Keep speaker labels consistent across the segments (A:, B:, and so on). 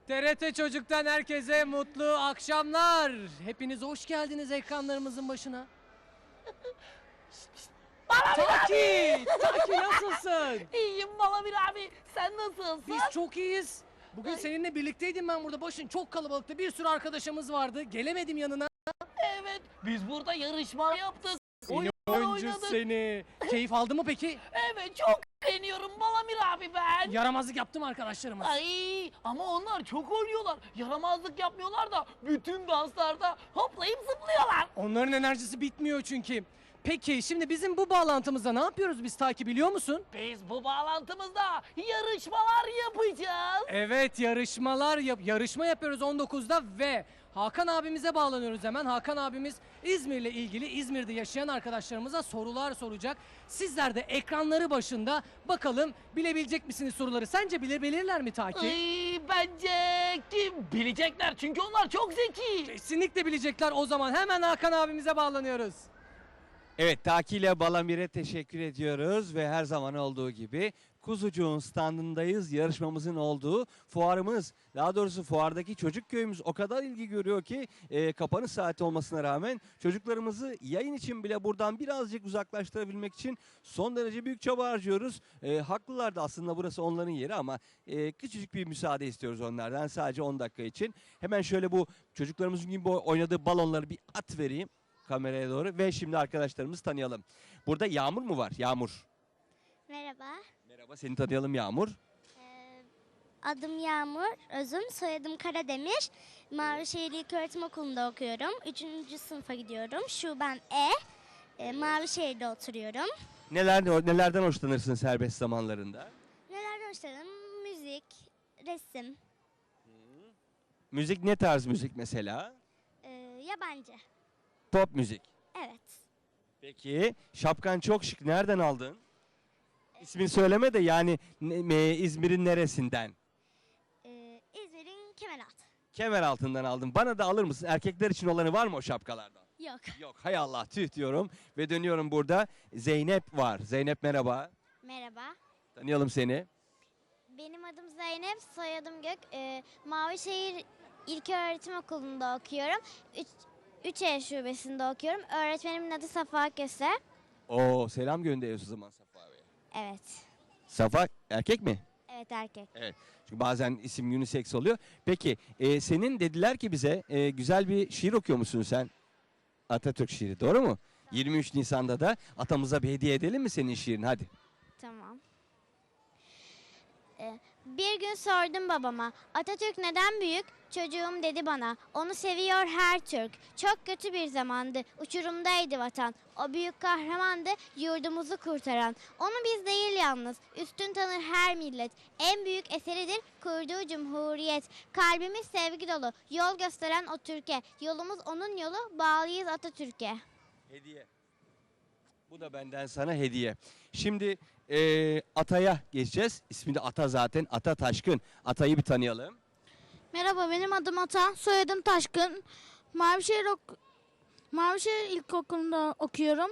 A: TRT Çocuk'tan herkese mutlu akşamlar. Hepiniz hoş geldiniz ekranlarımızın başına. Taki nasılsın?
B: İyiyim Balamir abi. Sen nasılsın?
A: Biz çok iyiyiz. Bugün seninle birlikteydim ben burada. Başın çok kalabalıktı. Bir sürü arkadaşımız vardı. Gelemedim yanına.
B: Evet. Biz burada yarışma yaptık.
A: Seni
B: Oyunlar
A: oyuncu
B: oynadık.
A: seni. Keyif aldı mı peki?
B: Evet çok beğeniyorum Balamir abi ben.
A: Yaramazlık yaptım arkadaşlarıma.
B: Ay ama onlar çok oynuyorlar. Yaramazlık yapmıyorlar da bütün danslarda hoplayıp zıplıyorlar.
A: Onların enerjisi bitmiyor çünkü. Peki şimdi bizim bu bağlantımızda ne yapıyoruz biz Taki biliyor musun?
B: Biz bu bağlantımızda yarışmalar yapacağız.
A: Evet yarışma yapıyoruz 19'da ve Hakan abimize bağlanıyoruz hemen. Hakan abimiz İzmir'le ilgili İzmir'de yaşayan arkadaşlarımıza sorular soracak. Sizler de ekranları başında bakalım bilebilecek misiniz soruları? Sence bilebilirler mi Taki?
B: Ay, bence kim bilecekler çünkü onlar çok zeki.
A: Kesinlikle bilecekler o zaman hemen Hakan abimize bağlanıyoruz.
C: Evet, Taki ile Balamir'e teşekkür ediyoruz ve her zaman olduğu gibi Kuzucuğun standındayız. Yarışmamızın olduğu fuarımız, daha doğrusu fuardaki çocuk köyümüz o kadar ilgi görüyor ki kapanış saati olmasına rağmen çocuklarımızı yayın için bile buradan birazcık uzaklaştırabilmek için son derece büyük çaba harcıyoruz. Haklılar da aslında burası onların yeri ama küçücük bir müsaade istiyoruz onlardan sadece 10 dakika için. Hemen şöyle bu çocuklarımızın gibi oynadığı balonları bir at vereyim kameraya doğru ve şimdi arkadaşlarımızı tanıyalım. Burada Yağmur mu var? Yağmur.
D: Merhaba,
C: Merhaba, seni tanıyalım Yağmur.
D: adım Yağmur, özüm, soyadım Karademir. Mavişehir İlköğretim Okulu'nda okuyorum. 3. sınıfa gidiyorum. Şuben Mavişehir'de oturuyorum.
C: Nelerden hoşlanırsın serbest zamanlarında?
D: Nelerden hoşlanırım? Müzik, resim,
C: Müzik ne tarz müzik mesela?
D: yabancı.
C: Pop müzik.
D: Evet,
C: Peki şapkan çok şık. Nereden aldın? İsmini söyleme de yani İzmir'in neresinden?
D: İzmir'in Kemeraltı.
C: Kemer altından aldım. Bana da alır mısın? Erkekler için olanı var mı o şapkalardan?
D: Yok.
C: Yok, hay Allah, tüh diyorum. Ve dönüyorum burada. Zeynep var. Zeynep merhaba.
D: Merhaba.
C: Tanıyalım seni.
D: Benim adım Zeynep, soyadım Gök. Mavişehir İlköğretim Okulu'nda okuyorum. 3E şubesinde okuyorum. Öğretmenimin adı Safa Köse.
C: Oo, selam gönderiyorsun o zaman Safa Bey'e.
D: Evet.
C: Safa erkek mi?
D: Evet, erkek.
C: Evet. Çünkü bazen isim unisex oluyor. Peki senin dediler ki bize güzel bir şiir okuyor musun sen? Atatürk şiiri, doğru mu? 23 Nisan'da da atamıza bir hediye edelim mi senin şiirini? Hadi.
D: Tamam. Bir gün sordum babama, Atatürk neden büyük? Çocuğum dedi bana, onu seviyor her Türk. Çok kötü bir zamandı, uçurumdaydı vatan. O büyük kahramandı, yurdumuzu kurtaran. Onu biz değil yalnız, üstün tanır her millet. En büyük eseridir kurduğu cumhuriyet. Kalbimiz sevgi dolu, yol gösteren o Türkiye. Yolumuz onun yolu, bağlıyız Atatürk'e.
C: Hediye. Bu da benden sana hediye. Şimdi Atay'a geçeceğiz. İsmi de Ata zaten. Ata Taşkın. Atay'ı bir tanıyalım.
E: Merhaba, benim adım Ata, soyadım Taşkın. Mavişehir İlkokulu'nda okuyorum.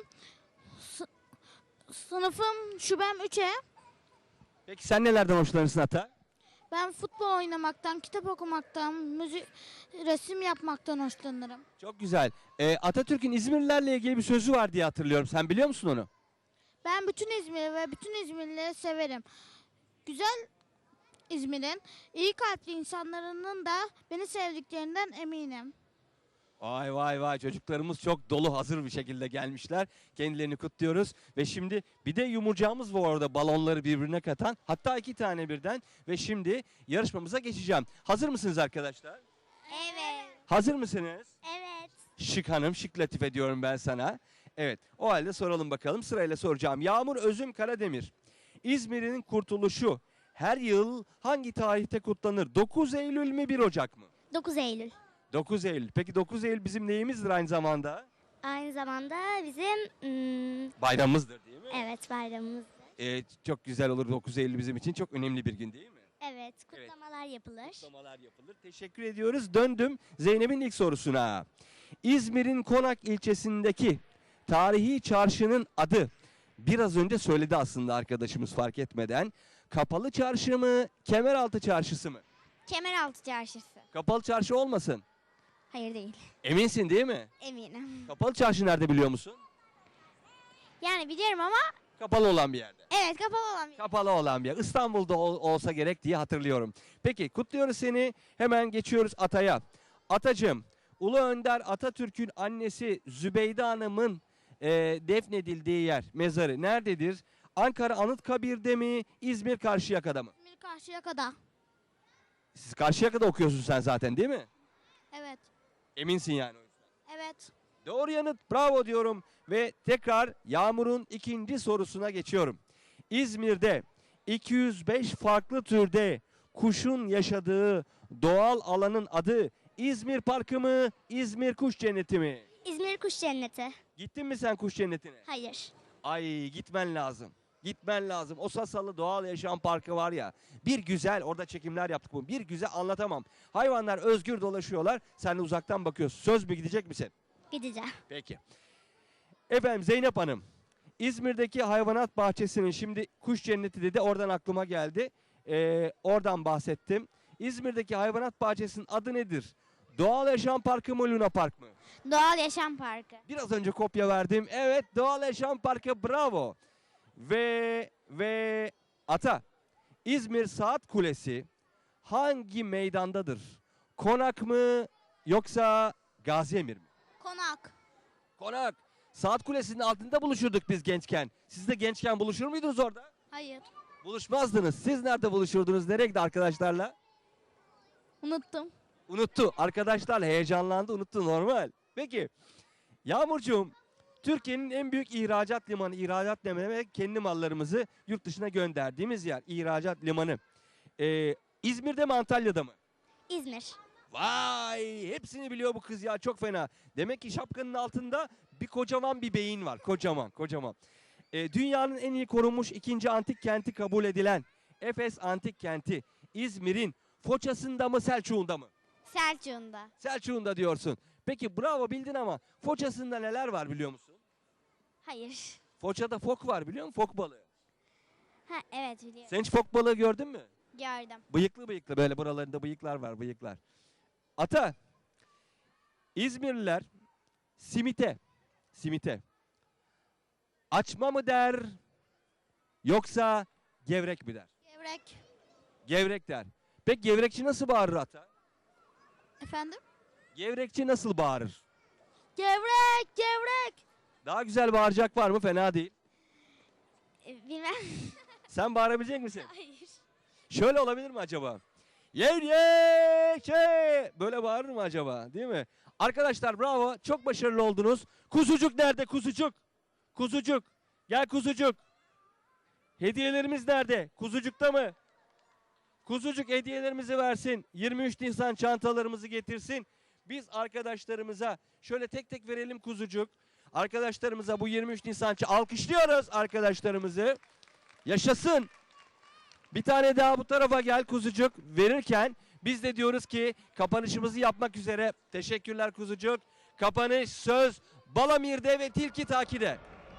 E: Sınıfım şubem 3'e.
C: Peki sen nelerden hoşlanırsın Ata?
E: Ben futbol oynamaktan, kitap okumaktan, resim yapmaktan hoşlanırım.
C: Çok güzel. Atatürk'ün İzmirlilerle ilgili bir sözü var diye hatırlıyorum. Sen biliyor musun onu?
E: Ben bütün İzmir'i ve bütün İzmirlileri severim. Güzel İzmir'in iyi kalpli insanların da beni sevdiklerinden eminim.
C: Vay vay vay, çocuklarımız çok dolu hazır bir şekilde gelmişler. Kendilerini kutluyoruz ve şimdi bir de yumurcağımız var orada balonları birbirine katan. Hatta 2 tane birden ve şimdi yarışmamıza geçeceğim. Hazır mısınız arkadaşlar?
D: Evet.
C: Hazır mısınız?
D: Evet.
C: Şık hanım, şık latife diyorum ben sana. Evet, o halde soralım bakalım. Sırayla soracağım. Yağmur Özüm Karademir. İzmir'in kurtuluşu her yıl hangi tarihte kutlanır? 9 Eylül mü 1 Ocak mı?
D: 9 Eylül.
C: 9 Eylül. Peki 9 Eylül bizim neyimizdir aynı zamanda?
D: Aynı zamanda bizim
C: Bayramımızdır değil mi?
D: evet bayramımız.
C: Çok güzel olur 9 Eylül bizim için. Çok önemli bir gün değil mi?
D: Evet, kutlamalar yapılır.
C: Kutlamalar yapılır. Teşekkür ediyoruz. Döndüm Zeynep'in ilk sorusuna. İzmir'in Konak ilçesindeki tarihi çarşının adı biraz önce söyledi aslında arkadaşımız fark etmeden. Kapalı Çarşı mı, Kemeraltı Çarşısı mı?
D: Kemeraltı Çarşısı.
C: Kapalı çarşı olmasın.
D: Hayır değil.
C: Eminsin değil mi?
D: Eminim.
C: Kapalı çarşı nerede biliyor musun?
D: Yani biliyorum ama
C: Kapalı olan bir yerde.
D: evet, kapalı olan bir.
C: Kapalı olan bir yer. İstanbul'da olsa gerek diye hatırlıyorum. Peki kutluyoruz seni. Hemen geçiyoruz Atay'a. Atacığım, Ulu Önder Atatürk'ün annesi Zübeyde Hanım'ın defnedildiği yer, mezarı nerededir? Ankara Anıtkabir'de mi, İzmir Karşıyaka'da mı?
E: İzmir Karşıyaka'da.
C: Siz Karşıyaka'da okuyorsun sen zaten değil mi?
E: Evet.
C: Eminsin yani o yüzden.
E: Evet.
C: Doğru yanıt, bravo diyorum ve tekrar Yağmur'un ikinci sorusuna geçiyorum. İzmir'de 205 farklı türde kuşun yaşadığı doğal alanın adı İzmir Parkı mı, İzmir Kuş Cenneti mi?
D: İzmir Kuş Cenneti.
C: Gittin mi sen kuş cennetine?
D: Hayır.
C: Ay gitmen lazım. Gitmen lazım. O Sasalı Doğal Yaşam Parkı var ya. Bir güzel orada çekimler yaptık bu. Bir güzel anlatamam. Hayvanlar özgür dolaşıyorlar. Sen de uzaktan bakıyorsun. Söz mü gidecek misin?
D: Gideceğim.
C: Peki. Efendim Zeynep Hanım. İzmir'deki hayvanat bahçesinin şimdi kuş cenneti dedi. Oradan aklıma geldi. Oradan bahsettim. İzmir'deki hayvanat bahçesinin adı nedir? Doğal Yaşam Parkı mı, Luna Park mı?
D: Doğal Yaşam Parkı.
C: Biraz önce kopya verdim. Evet, Doğal Yaşam Parkı, bravo. Ve Ata, İzmir Saat Kulesi hangi meydandadır? Konak mı yoksa Gazi Emir mi?
E: Konak.
C: Konak. Saat Kulesi'nin altında buluşurduk biz gençken. Siz de gençken buluşur muydunuz orada?
E: Hayır.
C: Buluşmazdınız. Siz nerede buluşurdunuz? Nereye gitti arkadaşlarla?
E: Unuttum.
C: Unuttu. Arkadaşlar heyecanlandı, unuttu, normal. Peki Yağmurcuğum, Türkiye'nin en büyük ihracat limanı, ihracat demek kendi mallarımızı yurt dışına gönderdiğimiz yer, ihracat limanı. İzmir'de mi, Antalya'da mı?
D: İzmir.
C: Vay, hepsini biliyor bu kız ya, çok fena. Demek ki şapkanın altında kocaman bir beyin var, kocaman. Dünyanın en iyi korunmuş ikinci antik kenti kabul edilen Efes Antik Kenti İzmir'in Foça'sında mı, Selçuk'unda mı?
D: Selçuk'unda.
C: Selçuk'unda diyorsun. Peki bravo, bildin ama Foça'sında neler var biliyor musun?
D: Hayır.
C: Foça'da fok var biliyor musun? Fok balığı.
D: Ha, evet biliyorum.
C: Sen hiç fok balığı gördün mü?
D: Gördüm.
C: Bıyıklı böyle buralarında bıyıklar var, bıyıklar. Ata, İzmirliler simite açma mı der yoksa gevrek mi der?
E: Gevrek.
C: Gevrek der. Peki gevrekçi nasıl bağırır Ata?
E: Efendim?
C: Gevrekçi nasıl bağırır?
E: Gevrek. Gevrek.
C: Daha güzel bağıracak var mı? Fena değil.
D: Bilmem.
C: Sen bağırabilecek misin?
D: Hayır.
C: Şöyle olabilir mi acaba? Böyle bağırır mı acaba? Değil mi? Arkadaşlar bravo. Çok başarılı oldunuz. Kuzucuk nerede? Kuzucuk. Kuzucuk. Gel kuzucuk. Hediyelerimiz nerede? Kuzucukta mı? Kuzucuk hediyelerimizi versin. 23 Nisan çantalarımızı getirsin. Biz arkadaşlarımıza şöyle tek tek verelim kuzucuk. Arkadaşlarımıza bu 23 Nisan alkışlıyoruz arkadaşlarımızı. Yaşasın. Bir tane daha bu tarafa gel kuzucuk. Verirken biz de diyoruz ki kapanışımızı yapmak üzere. Teşekkürler kuzucuk. Kapanış söz Balamir'de ve Tilki Taki'de.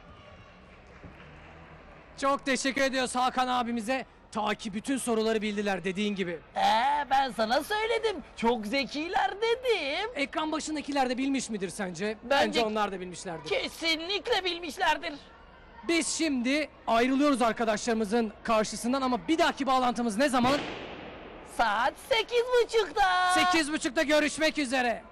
A: Çok teşekkür ediyoruz Hakan abimize. Ta ki bütün soruları bildiler dediğin gibi.
B: Ben sana söyledim. Çok zekiler dedim.
A: Ekran başındakiler de bilmiş midir sence?
B: Bence-
A: onlar da bilmişlerdir.
B: Kesinlikle bilmişlerdir.
A: Biz şimdi ayrılıyoruz arkadaşlarımızın karşısından ama bir dahaki bağlantımız ne zaman?
B: Saat 8.30'da.
A: 8.30'da görüşmek üzere.